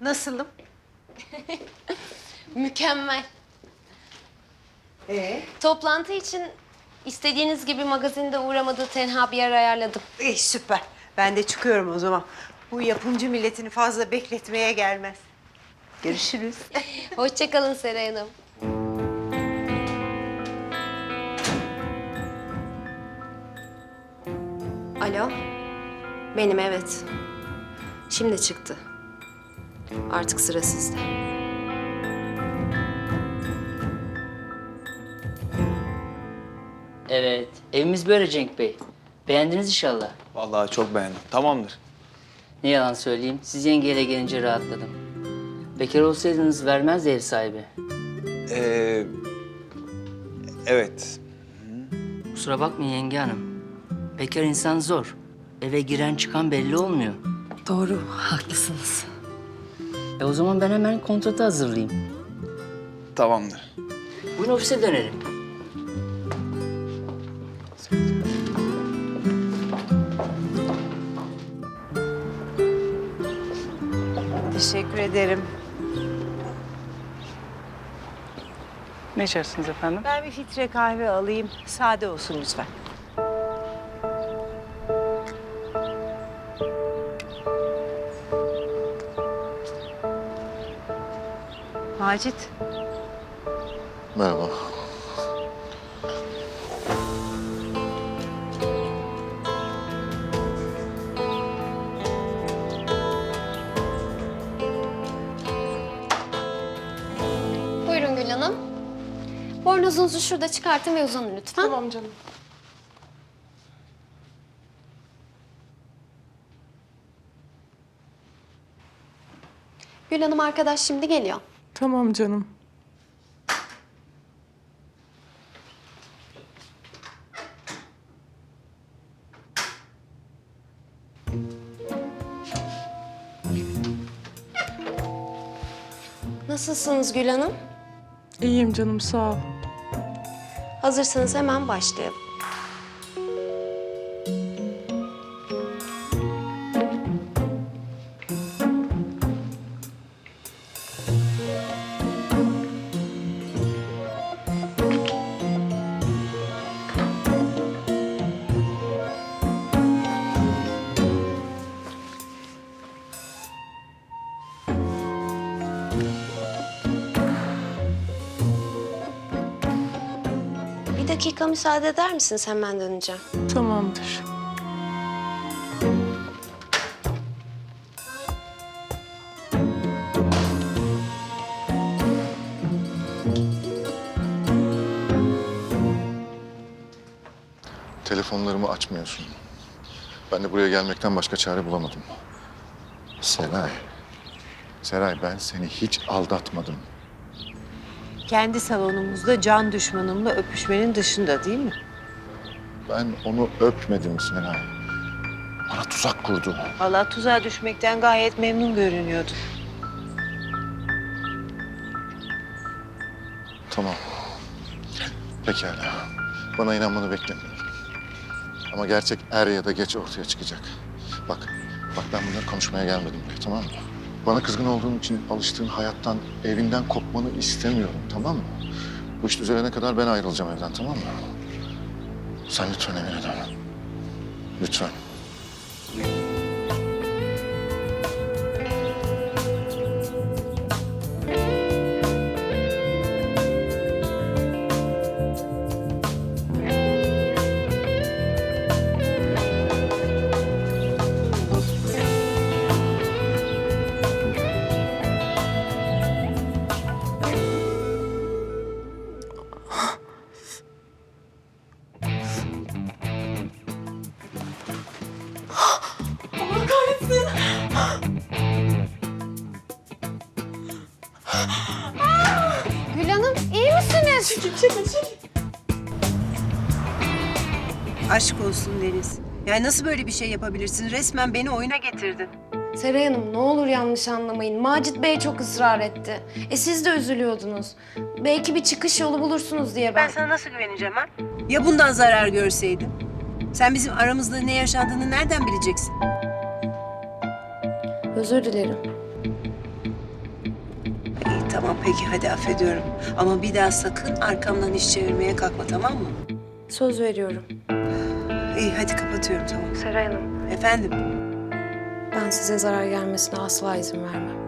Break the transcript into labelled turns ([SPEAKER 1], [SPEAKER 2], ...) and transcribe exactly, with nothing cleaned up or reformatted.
[SPEAKER 1] Nasılım?
[SPEAKER 2] Mükemmel.
[SPEAKER 1] Ee?
[SPEAKER 2] Toplantı için istediğiniz gibi magazinde uğramadığı tenha bir yer ayarladım.
[SPEAKER 1] İyi, süper. Ben de çıkıyorum o zaman. Bu yapımcı milletini fazla bekletmeye gelmez. Görüşürüz.
[SPEAKER 2] Hoşça kalın Seray Hanım. Alo. Benim, evet. Şimdi çıktı. Artık sıra sizde.
[SPEAKER 3] Evet, evimiz böyle Cenk Bey. Beğendiniz inşallah.
[SPEAKER 4] Vallahi çok beğendim. Tamamdır.
[SPEAKER 3] Ne yalan söyleyeyim, siz yengeyle gelince rahatladım. Bekar olsaydınız vermezdi ev sahibi.
[SPEAKER 4] Ee, evet.
[SPEAKER 3] Kusura bakmayın yenge hanım. Bekar insan zor. Eve giren çıkan belli olmuyor.
[SPEAKER 5] Doğru, haklısınız.
[SPEAKER 3] E o zaman ben hemen kontratı hazırlayayım.
[SPEAKER 4] Tamamdır.
[SPEAKER 3] Bugün ofise dönelim.
[SPEAKER 1] Teşekkür ederim.
[SPEAKER 6] Ne içersiniz efendim?
[SPEAKER 1] Ben bir filtre kahve alayım. Sade olsun lütfen. Macit.
[SPEAKER 7] Merhaba.
[SPEAKER 2] Buyurun Gül Hanım. Bornozunuzu şurada çıkartın ve uzanın lütfen.
[SPEAKER 6] Tamam canım.
[SPEAKER 2] Gül Hanım arkadaş şimdi geliyor.
[SPEAKER 6] Tamam canım.
[SPEAKER 2] Nasılsınız Gül Hanım?
[SPEAKER 6] İyiyim canım, sağ ol.
[SPEAKER 2] Hazırsanız hemen başlayalım. Bir dakika müsaade eder misiniz? Hemen döneceğim.
[SPEAKER 6] Tamamdır.
[SPEAKER 7] Telefonlarımı açmıyorsun. Ben de buraya gelmekten başka çare bulamadım. Seray. Seray, ben seni hiç aldatmadım.
[SPEAKER 1] Kendi salonumuzda can düşmanımla öpüşmenin dışında değil mi?
[SPEAKER 7] Ben onu öpmedim Seray. Bana tuzak kurdu.
[SPEAKER 1] Vallahi tuzağa düşmekten gayet memnun görünüyordu.
[SPEAKER 7] Tamam. Pekala. Bana inanmanı beklemiyorum. Ama gerçek er ya da geç ortaya çıkacak. Bak, bak ben bunları konuşmaya gelmedim buraya, tamam mı? Bana kızgın olduğun için alıştığın hayattan, evinden kopmanı istemiyorum, tamam mı? Bu iş düzelene kadar ben ayrılacağım evden, tamam mı? Sen lütfen evine dön. Lütfen.
[SPEAKER 2] Gül Hanım iyi misiniz?
[SPEAKER 1] Aşk olsun Deniz. Yani nasıl böyle bir şey yapabilirsin? Resmen beni oyuna getirdin.
[SPEAKER 2] Seray Hanım ne olur yanlış anlamayın. Macit Bey çok ısrar etti. E siz de üzülüyordunuz. Belki bir çıkış yolu bulursunuz diye ben...
[SPEAKER 1] Ben sana nasıl güveneceğim ha? Ya bundan zarar görseydim? Sen bizim aramızda ne yaşandığını nereden bileceksin?
[SPEAKER 2] Özür dilerim.
[SPEAKER 1] tamam peki hadi affediyorum. Ama bir daha sakın arkamdan iş çevirmeye kalkma, tamam mı?
[SPEAKER 2] Söz veriyorum.
[SPEAKER 1] İyi hadi kapatıyorum, tamam.
[SPEAKER 2] Seray Hanım,
[SPEAKER 1] Efendim?
[SPEAKER 2] ben size zarar gelmesine asla izin vermem.